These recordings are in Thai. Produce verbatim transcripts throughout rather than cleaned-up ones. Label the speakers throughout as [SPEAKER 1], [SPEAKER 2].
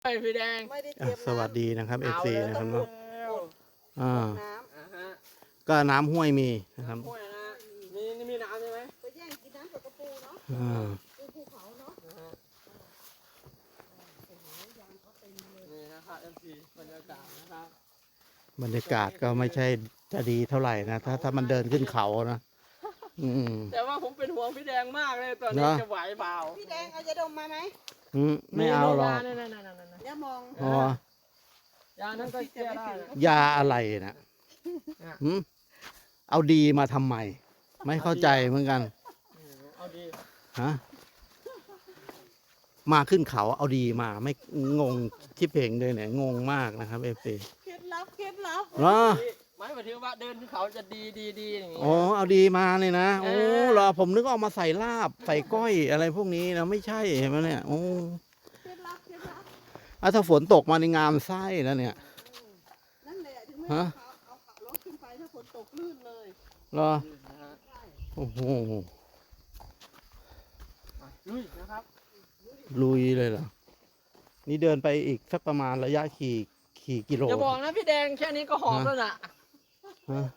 [SPEAKER 1] ไอพี่แดง
[SPEAKER 2] ไม่ได้เตรียม
[SPEAKER 3] สวัสดีนะครับเอฟซีนะครับเนาะอ่า
[SPEAKER 2] น้ำ
[SPEAKER 1] อ่าฮะ
[SPEAKER 3] ก็น้ำห้วยมีนะครับ
[SPEAKER 1] ห้วยนะมีนี่มีน้ำใช่ไหม
[SPEAKER 2] ไปแย่งกินน้ำกับกระปูเนาะ
[SPEAKER 3] อ่า
[SPEAKER 2] ปูภูเขาเนาะ
[SPEAKER 1] นะฮะนี่นะครับเอฟซีบรรยากาศนะครับ
[SPEAKER 3] บรรยากาศก็ไม่ใช่จะดีเท่าไหร่นะถ้าถ้ามันเดินขึ้นเขานะอืม
[SPEAKER 1] แต่ว่าผมเป็นห่วงพี่แดงมากเลยตอนนี้
[SPEAKER 3] เนอะ
[SPEAKER 1] จะไหวเปล่า
[SPEAKER 2] พี่แดงเอายาดมมาไหม
[SPEAKER 3] อืมไม่เอาหรอก
[SPEAKER 1] นั่นนั่นนั่นนั่น
[SPEAKER 2] อย่ามอง
[SPEAKER 3] อ๋อย
[SPEAKER 1] านั้นก็แก้ได้นะ
[SPEAKER 3] ยาอะไรนะหืมเอาดีมาทำไม ไม่เข้าใจเหมือนกัน
[SPEAKER 1] อืมเอาดี
[SPEAKER 3] ฮะมาขึ้นเขาเอาดีมาไม่งงที่เพลงเลยเนี่ยงงมากนะครับเอฟซี
[SPEAKER 2] เคล็ดลับเคล็ดลับ
[SPEAKER 3] เหรอ
[SPEAKER 1] ไม่หมายถึงว่าเดินขึ้นเขาจะดีดีดีอย่างงี้
[SPEAKER 3] อ๋อเอาดีมาเลยนะโอ้
[SPEAKER 1] เออ
[SPEAKER 3] เหรอผมนึกเอามาใส่ลาบใส่ก้อยอะไรพวกนี้นะไม่ใช่เห็นไหมเนี่ยโอ้
[SPEAKER 2] เคล็ดลับเคล็ดลับ
[SPEAKER 3] อ่ะถ้าฝนตกมาในงามไส้แล้วเนี่ย
[SPEAKER 2] นั่นแหละถึงไม่
[SPEAKER 3] ฮะ
[SPEAKER 2] เอาเอาขับรถขึ้นไปถ้าฝนตกลื่นเลย
[SPEAKER 3] เหรอ
[SPEAKER 1] นะฮะ
[SPEAKER 2] ใช่
[SPEAKER 3] โอ้โห
[SPEAKER 1] อ่ะลุยนะครับ
[SPEAKER 3] ลุยเลยเหรอนี่เดินไปอีกสักประมาณระยะขี่ขี่กิโล
[SPEAKER 1] อย่าบอกนะพี่แดงแค่นี้ก็หอมแล้วน่ะ
[SPEAKER 3] ฮะ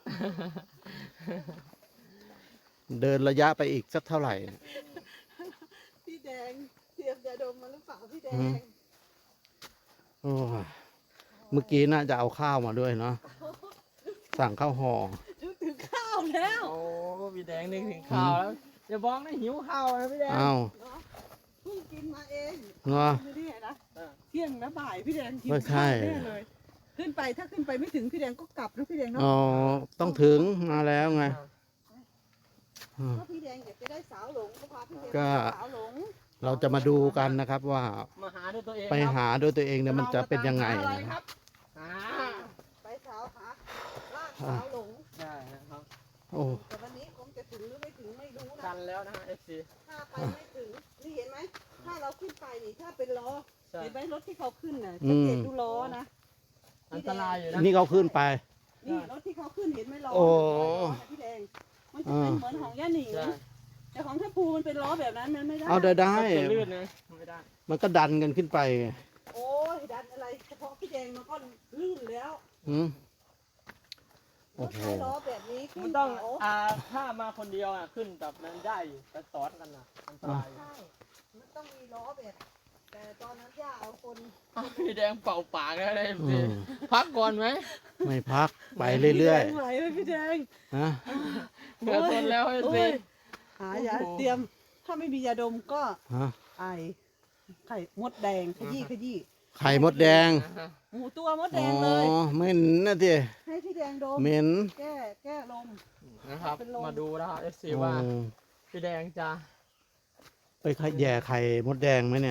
[SPEAKER 3] เดินระยะไปอีกสักเท่าไหร่เนี่ย
[SPEAKER 2] พี่แดงเตรียมยาดมมาหรือเปล่าพี่แด
[SPEAKER 3] อื
[SPEAKER 2] ง
[SPEAKER 3] ม โอ้ยเมื่อกี้น่าจะเอาข้าวมาด้วยเนาะสั่งข้าวห่อ
[SPEAKER 2] นึกถึงข้าวแล้ว
[SPEAKER 1] โอ้พี่แดงนึกถึงข้าวแล้วอย่าบอกนะหิวข้าวนะพี่แดง
[SPEAKER 3] อ้าว
[SPEAKER 2] เนาะเพิ่งกินมาเอง
[SPEAKER 3] เนาะ
[SPEAKER 2] ไม่ได้นะ
[SPEAKER 1] เออ
[SPEAKER 2] เที่ยงนะบ่ายพี่แดงกิน
[SPEAKER 3] ไม่ใช่
[SPEAKER 2] ข้าวแน่เลย ขึ้นไปถ้าขึ้นไปไม่ถึงพี่แดงก็กลับนะพี่แดงเนาะ
[SPEAKER 3] อ๋อต้องถึงมาแล้วไง
[SPEAKER 2] ถ้าพี่แดงอยากจะได้สาวหลงก็พาพี่แดง
[SPEAKER 3] ก็
[SPEAKER 2] ไปสาวหลง
[SPEAKER 3] เราจะมาดูกันนะครับว่า
[SPEAKER 1] มาหาด้วยตัวเอง
[SPEAKER 3] ไป
[SPEAKER 1] ครับ
[SPEAKER 3] หาด้วยตัวเองเนี่ยมันจะเป็นยังไง
[SPEAKER 1] อะไร
[SPEAKER 3] นะ
[SPEAKER 1] ค
[SPEAKER 3] ค
[SPEAKER 1] รั
[SPEAKER 3] รั
[SPEAKER 1] บบ อ่า
[SPEAKER 2] ไปสาวหาลากสาวหลง
[SPEAKER 1] ใช่นะครับ
[SPEAKER 3] โอ้
[SPEAKER 2] แต่วันนี้คงจะถึงหรือไม่ถึงไม่รู้
[SPEAKER 1] กั
[SPEAKER 2] นะ
[SPEAKER 1] นแล้วนะฮะเอฟซี
[SPEAKER 2] ถ้าไปไม่ถึงนี่เห็นไหมถ้าเราขึ้นไปนี่ถ้าเป็นล้อ
[SPEAKER 1] ใช่
[SPEAKER 2] เห็นไหมรถที่เขาขึ้นน่ะสังเกตดูล้อนะ
[SPEAKER 1] อันตรายอยู่นะ
[SPEAKER 3] นี่เขาขึ้นไป
[SPEAKER 2] นี่รถที่เขาขึ้นเห็นไหมล้อ
[SPEAKER 3] โอ้
[SPEAKER 2] ล้อน่ะพี่แดงมันจะเป็นเหมือนของย่าหนิง
[SPEAKER 1] ใช่
[SPEAKER 2] แต่ของท่าภูมันเป็นล้อแบบนั้นมันไม่ได้
[SPEAKER 3] เอาได้ได้
[SPEAKER 1] จะลื่นนะไม่ได้
[SPEAKER 3] มันก็ดันกันขึ้นไปไง
[SPEAKER 2] โอ้ยดันอะไรเฉพาะพี่แดงมันก็ลื่นแล้ว
[SPEAKER 3] หืม
[SPEAKER 2] ร
[SPEAKER 3] โอ้
[SPEAKER 2] ถ
[SPEAKER 3] โห
[SPEAKER 2] ใช้ล้อแบบนี้ขึ้
[SPEAKER 1] มัน นต้อง
[SPEAKER 2] เขา
[SPEAKER 1] อ่าถ้ามาคนเดียวอ่ะขึ้นแบบนั้นได้อยู่แต่ซ้อนกันอ่ะอันตรายอยู่
[SPEAKER 2] ใช่มันต้องมีล้อแบบ แต่ตอนนั้นย่าเอาคน
[SPEAKER 1] อ้าวพี่แดงเป่าปากแล้วเลย
[SPEAKER 3] อืม
[SPEAKER 1] พักก่อนไหม
[SPEAKER 3] ไม่พักไปเรื่อย
[SPEAKER 2] พี่แดงไหวไหมพี่แดง
[SPEAKER 3] ๆฮะ
[SPEAKER 1] เหลือทนแล้วไอ้
[SPEAKER 2] โอ้
[SPEAKER 1] สิ
[SPEAKER 2] ยหายาเตรียม ถ้าไม่มียาดมก็
[SPEAKER 3] ฮะ
[SPEAKER 2] ไอไข่มดแดงขยี้ขยี้
[SPEAKER 3] ไข่มดแดง
[SPEAKER 2] หมูตัวมด
[SPEAKER 3] อ๋
[SPEAKER 2] แด
[SPEAKER 3] อง
[SPEAKER 2] เลย
[SPEAKER 3] เหม็นนะที
[SPEAKER 2] ให้พี่แดงดม
[SPEAKER 3] เหม็น
[SPEAKER 2] แก้แก้ลม
[SPEAKER 1] นะครับ
[SPEAKER 2] เป็นลม
[SPEAKER 1] มาดูนะครับเอฟซี
[SPEAKER 3] โอ้
[SPEAKER 1] ว่าพี่แดงจะ
[SPEAKER 3] ไปขยแย่ไข่มดแดงไหมเนี่ย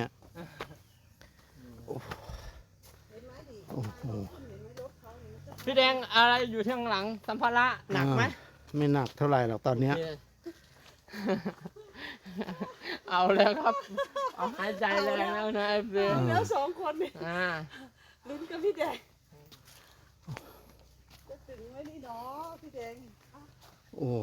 [SPEAKER 2] เห็นไหมดิ
[SPEAKER 3] โอ้โห
[SPEAKER 2] เห็นไหมรถเขานี่มันก็
[SPEAKER 1] พี่แดงอะไรอยู่ที่ข้างหลังสัมภาระหนักไหม
[SPEAKER 3] อ่าไม่หนักเท่าไหร่หรอกตอนเนี้ย
[SPEAKER 1] โอเค เอาแล้วครับ เอาหายใจแรงแล้วนะเอฟซี
[SPEAKER 2] เอาแล้วสองคนนี่
[SPEAKER 1] อ่า
[SPEAKER 2] ลุ้นกับพี่แดงจะถึงไหมนี่เนาะพี่แดง
[SPEAKER 3] โอ้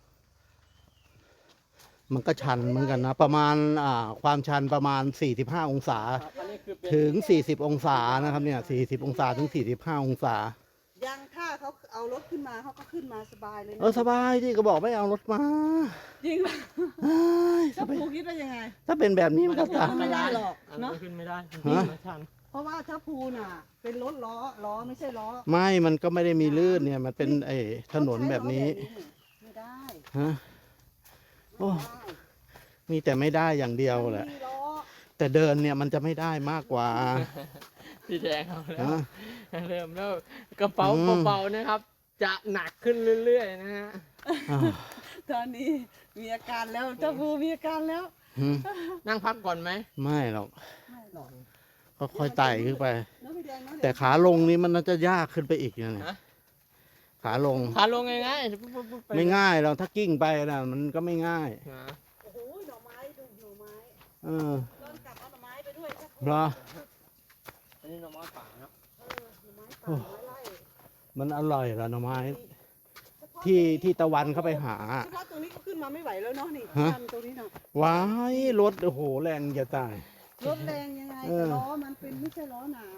[SPEAKER 3] มันก็ชันเหมือนกันนะ ประมาณอ่าความชันประมาณสี่สิบห้าองศา
[SPEAKER 1] ครับอันนี้คือเป็น
[SPEAKER 3] ถึงสี่สิบองศานะครับเนี่ยสี่สิบองศาถึงสี่สิบห้าองศา
[SPEAKER 2] ยังถ้าเขาเอารถขึ้นมาเขาก็ขึ้นมาสบายเลยนะ
[SPEAKER 3] เออสบายที่ก็บอกไม่เอารถมา
[SPEAKER 2] จริงเหรอ
[SPEAKER 3] เอ้ย
[SPEAKER 2] เจ้าปูคิดว่ายังไง
[SPEAKER 3] ถ้าเป็นแบบนี้มันก็ตาย
[SPEAKER 2] ไม่ได้หรอก
[SPEAKER 1] อัน
[SPEAKER 2] เน
[SPEAKER 1] นี้
[SPEAKER 2] อะ
[SPEAKER 1] ขึ้นไม่ได้
[SPEAKER 3] ฮะ
[SPEAKER 1] ไม่ทัน
[SPEAKER 2] เพราะว่าถ้าภูน่ะ เป็นรถล้อล้อไม่ใช่ล้อ
[SPEAKER 3] ไม่มันก็ไม่ได้มีลื่นเนี่ย มันเป็นไอ้ถนนแบบนี้
[SPEAKER 2] ไม่ได้
[SPEAKER 3] ฮะ โอ้ มีแต่ไม่ได้อย่างเดียวแหละ
[SPEAKER 2] ไม่มีล้อ
[SPEAKER 3] แต่เดินเนี่ยมันจะไม่ได้มากกว่า
[SPEAKER 1] พี่แดงเอาแล้ว
[SPEAKER 3] ฮะ
[SPEAKER 1] เริ่มแล้วกระเป๋า
[SPEAKER 3] อืม
[SPEAKER 1] เบาๆนะครับ จะหนักขึ้นเรื่อยๆนะฮะ
[SPEAKER 3] อ้าว
[SPEAKER 2] ตอนนี้มีอาการแล้วเจ้าภูมีอาการแล้ว
[SPEAKER 3] หืม
[SPEAKER 1] นั่งพักก่อนไหม
[SPEAKER 3] ไม่หรอก
[SPEAKER 2] ไม่หรอก
[SPEAKER 3] ก็ค่อยไต่ขึ้นไป
[SPEAKER 2] เนอะพี่แดงเนอะ
[SPEAKER 3] แต่ขาลงนี่มันน่าจะยากขึ้นไปอีกนะเนี่ย
[SPEAKER 1] ฮะ
[SPEAKER 3] ขาลง
[SPEAKER 1] ขาลงง่ายๆปุ๊บปุ๊บปุ๊บป
[SPEAKER 3] ไม่ง่ายเราถ้ากิ้งไปนะมันก็ไม่ง่าย
[SPEAKER 1] นะ
[SPEAKER 2] โอ้โหหน่อไม้ดูหน่อไม้
[SPEAKER 3] เออ
[SPEAKER 2] ตอนกลับเอาหน่อไม้ไปด้วยครับ
[SPEAKER 3] เพราะ
[SPEAKER 1] อันนี้หน้องไม้ป่าเนาะ
[SPEAKER 2] เออหน่อไม้ป่าหน่อไม้ไร่
[SPEAKER 3] มันอร่อยเหรอหน่อไม้ ที่ที่ตะวันเข้าไปหา
[SPEAKER 2] เฉพาะตรงนี้ก็ขึ้นมาไม่ไหวแล้วเนาะนี่
[SPEAKER 3] ฮะ
[SPEAKER 2] ทำตรงนี้เนาะ
[SPEAKER 3] ว้ายรถโอ้โหแรงจะตาย
[SPEAKER 2] รถแรงยังไง
[SPEAKER 3] เออ
[SPEAKER 2] แต่ล้อมันเป็นไม่ใช่ล้อหนา